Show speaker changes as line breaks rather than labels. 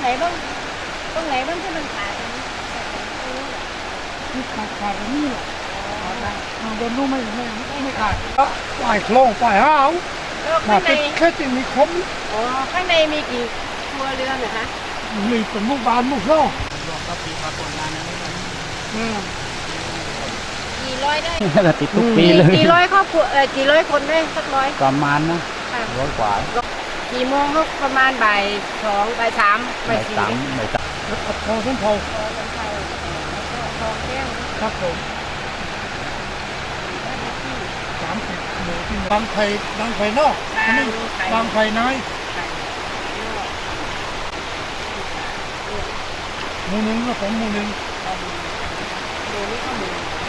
บ้างตรงไหนบ้างที่มันขาดตรงนี้ที่ขาดตรงนี้แหละโดนรู้ไม่ขาดปล่อยโครงปล่อยห้าวข้างในแค่ติมีคมอ๋อข้างในมีกี่ครัวเรือนเหรอคะมีเป็นมุกบานมุกโซ่รวมกับปีพากลงานนั้นกี่ร้อยได้
ติดทุกปีเลย
กี่ร้อยครอบครัวกี่ร้อยคนได้สักร้อย
ประมาณนะร้อยกว่า
กี่โมงเขาประมาณบ่ายสองบ่ายสาม
บ่ายสาม
พอขึ้นพอทองแก้วครับผม30 หมู่ที่บางไผ่นอกนี่บางไผ่น้อยหมู่หนึ่งก็ผมหมู่หนึ่งหมู่นี้ก็หมู่